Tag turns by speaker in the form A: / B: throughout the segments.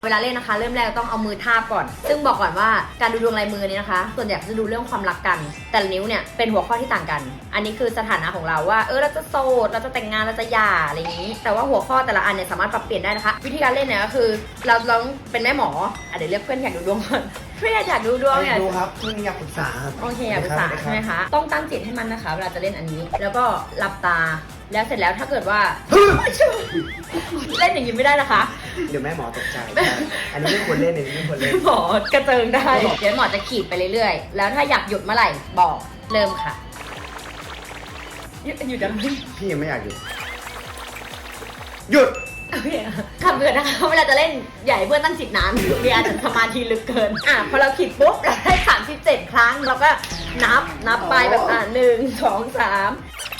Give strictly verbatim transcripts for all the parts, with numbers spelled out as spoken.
A: เวลาเล่นนะคะเริ่มแรกต้องเอามือทาบก่อนซึ่งบอกก่อนว่าการดูดวงลายมือนี้นะคะส่วนใหญ่จะดูเรื่องความรักกันแต่ละนิ้วเนี่ยเป็นหัวข้อที่ต่างกันอันนี้คือสถานะของเราว่าเออเราจะโสดเราจะแต่งงานเราจะหย่าอะไรอย่างนี้แต่ว่าหัวข้อแต่ละอันเนี่ยสามารถปรับเปลี่ยนได้นะคะวิธีการเล่นเนี่ยก็คือเราลองเป็นแม่หมออ่ะเดี๋ยวเรียกเพื่อนอยากดูดวงก่อนเพื่อนอยากดูดวงเนี่ย
B: ดูครับเพื่อนอยากปรึกษาครับ
A: โอเคอยากปรึกษาใช่ไหมคะต้องตั้งจิตให้มันนะคะเวลาจะเล่นอันนี้แล้วก็หลับตาแล้วเสร็จแล้วถ้าเกิดว่า เล่นอย่างนี้ไม่ได้นะคะ
B: เดี๋ยวแม่หมอตกใจอันนี้ไม่ควรเล่นอันนี้ไม่ควรเล่น
A: หมอกระเจิงได้เดี๋ยวหมอจะขีดไปเรื่อยๆแล้วถ้าอยากหยุดเมื่อไหร่บอกเริ่มค่ะหยุดหยุดอะไร
B: พี่ยังไม่อยากหยุดหยุด
A: คำเตือนนะคะเวลาจะเล่นใหญ่เพื่อนตั้งจิตนานมีอาจจะสมาธิลึกเกินอ่ะพอเราขีดปุ๊บเราได้สามสิบเจ็ดครั้งเราก็นับนับไปแบบอ่ะหนึ่งสองสาม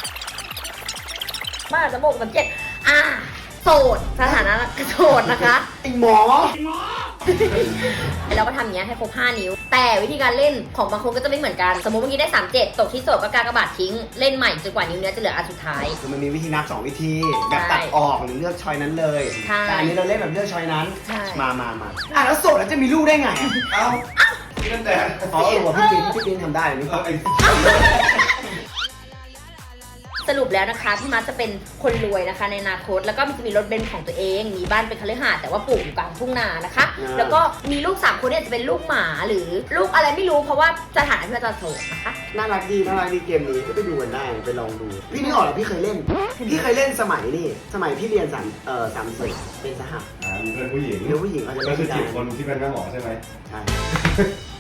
A: บ้าจะบอกมันเจ็ดอ่ะโสดสถานะโสดนะคะ
B: ไอหมอ
A: เราก็ทำอย่างเงี้ยให้ครบห้านิ้วแต่วิธีการเล่นของบางคนก็จะไม่เหมือนกันสมมติเมื่อกี้ได้สามเจ็ดตกที่โสดก็กากบาททิ้งเล่นใหม่จนกว่านิ้วเนื้อจะเหลืออันสุดท้าย
B: คือมันมีวิธีนับสองวิธีแบบตัดออกหรือเลือกชอยนั้นเลย
A: ใช่
B: แต่อันนี้เราเล่นแบบเลือกชอยนั้น
A: ใช่
B: มามามาอ่ะแล้วโสดแล้วจะมีลูกได้ไงเอ้า
C: นั่นแต่
B: อ๋อเออว่ะพี่ปิ๊นพี่ปิ๊นทำได้นี่
C: เออไอ้
A: สรุปแล้วนะคะพี่มัดจะเป็นคนรวยนะคะในอนาคตแล้วก็จะมีรถเบนซ์ของตัวเอง มีบ้านเป็นคฤหาสน์แต่ว่าปลูกอยู่กลางทุ่งนานะคะ แล้วก็มีลูกสามคนเนี่ยจะเป็นลูกหมาหรือลูกอะไรไม่รู้เพราะว่าสถานะที่เราจะโสดนะคะ
B: น่ารักดีน่ารักดีเกมนี้ก็ไปดูกันได้ไปลองดู พี่นึกออกแล้วพี่เคยเล่น พี่เคยเล่นสมัยนี่สมัยพี่เรียนสามเอ่อสามสิบเป็นสห
C: อ่ามีเพื่อนผู้หญิง
B: เรื่องผู้หญิงเขาจะ
C: ก็
B: เล่น
C: คือ
B: ได้
C: จีบคนที่เป็นแม่หมอใช่ไหม
B: ใช่